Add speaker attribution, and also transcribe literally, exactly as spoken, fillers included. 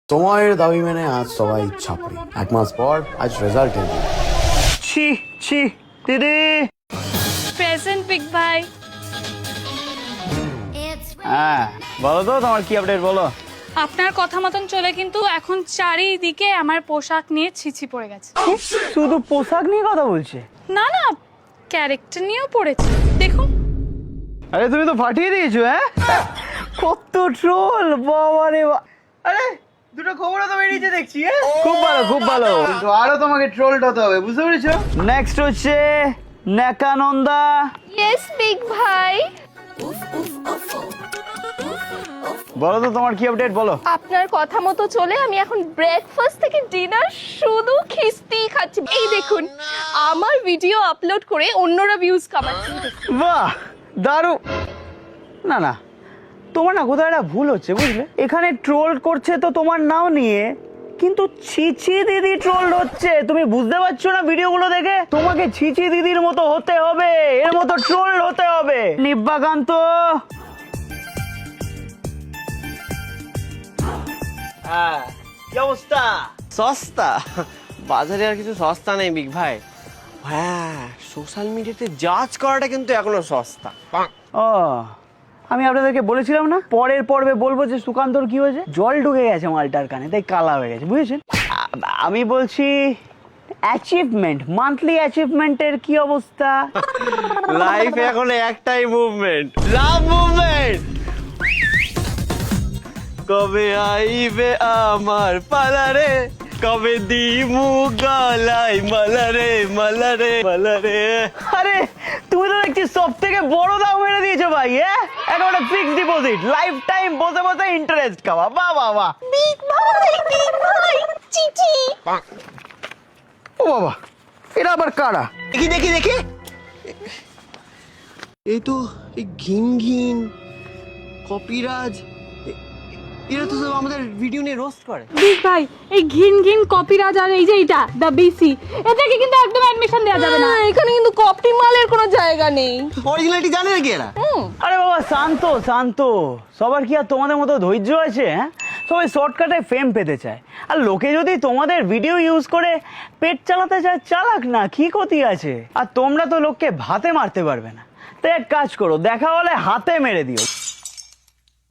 Speaker 1: সময়ের দাবি মেনে আজ সবাই ছাপড়ি। এক মাস পর আজ রেজাল্ট এল।
Speaker 2: ছি ছি দিদি।
Speaker 3: প্রেজেন্ট বিগ ভাই।
Speaker 2: হ্যাঁ বলো তো তোমার কি আপডেট বলো।
Speaker 3: আপনার কথা মতন চলে কিন্তু এখন চারিদিকে আমার পোশাক নিয়ে ছিছি পড়ে গেছে।
Speaker 2: শুধু পোশাক নিয়ে কথা বলছে?
Speaker 3: না না, ক্যারেক্টার নিয়েও পড়েছে, দেখুন।
Speaker 2: আরে তুমি তো ফাটিয়ে দিয়েছো। হ্যাঁ কত ট্রোল, বাবা রে বাবা। আরে দুটো খবরও তো বেরিয়েছে দেখছি। হ্যাঁ খুব ভালো খুব ভালো, কিন্তু আরো তোমাকে ট্রোলড হতে হবে, বুঝতে পেরেছো? নেক্সট হচ্ছে নেকানন্দা।
Speaker 4: ইয়েস বিগ ভাই।
Speaker 2: বলো তো তোমার কি আপডেট বলো।
Speaker 4: আপনার কথা মতো চলে আমি এখন ব্রেকফাস্ট থেকে ডিনার শুধু খিস্তি খাচ্ছি। এই দেখুন, আমার ভিডিও আপলোড করে অন্যরা ভিউজ কামাচ্ছে।
Speaker 2: বাহ দারু। না না, তোমার না কোথাও একটা ভুল হচ্ছে বুঝলে। এখানে ট্রোল করছে তো তোমার নাও নিয়ে, কিন্তু ছিছি দিদি ট্রোল হচ্ছে। তুমি বুঝতে পারছো না ভিডিওগুলো দেখে? তোমাকে ছিছি দিদির মতো হতে হবে, এর মতো ট্রোল হতে হবে। নিব্বাকান্ত।
Speaker 5: হ্যাঁ কি অবস্থা? সস্তা বাজারে আর কিছু সস্তা নেই বিগ ভাই। হ্যাঁ সোশ্যাল মিডিয়াতে জাজ করাটা কিন্তু এখনো সস্তা।
Speaker 2: ও আমি আপনাদেরকে বলেছিলাম না পরের পর্বে বলবো যে সুকান্তর কি হয়েছে, জল ঢুকে গেছে মালটার কানে, তাই কালা হয়ে গেছে, বুঝেছেন? আ- আমি বলছি অ্যাচিভমেন্ট, মান্থলি অ্যাচিভমেন্টের কি অবস্থা?
Speaker 5: লাইফে এখন একটাই মুভমেন্ট, লাভ মুভমেন্ট। কবে আইবে আমার পালারে, কবে দিমু গলাই মালারে মালারে মালারে।
Speaker 2: আরে তুমি তো দেখছি সব থেকে বড় দাম মেরে দিয়েছো ভাই। হ্যাঁ একেবারে ফিক্সড ডিপোজিট, লাইফ টাইম বসে বসে ইন্টারেস্ট খাওয়া। বাহ বাহ বাহ।
Speaker 4: বিগ ভাই, বিগ ভাই, চিঠি।
Speaker 2: ও বাবা, এটা আবার কারা?
Speaker 5: দেখি দেখি দেখি, এই তো এই ঘিন ঘিন কপিরাজ, এ- এরা তো সব আমাদের ভিডিও নিয়ে রোস্ট করে।
Speaker 3: বিগ ভাই, এই ঘিন ঘিন কপিরাজ আর এই যে এটা দা বিসি, এদেরকে কিন্তু একদম অ্যাডমিশন দেওয়া যাবে না।
Speaker 4: না, এখানে কিন্তু কপি মালের কোনো জায়গা নেই।
Speaker 5: অরিজিনালিটি জানে নাকি এরা?
Speaker 2: আরে বাবা শান্ত শান্ত, সবার কি আর তোমাদের মতো ধৈর্য আছে? হ্যাঁ সবাই শর্টকাটে ফেম পেতে চায়, আর লোকে যদি তোমাদের ভিডিও ইউজ করে পেট চালাতে চায় চালাক না, কি ক্ষতি আছে? আর তোমরা তো লোককে ভাতে মারতে পারবে না, তাই এক কাজ করো, দেখা হলে হাতে মেরে দিও।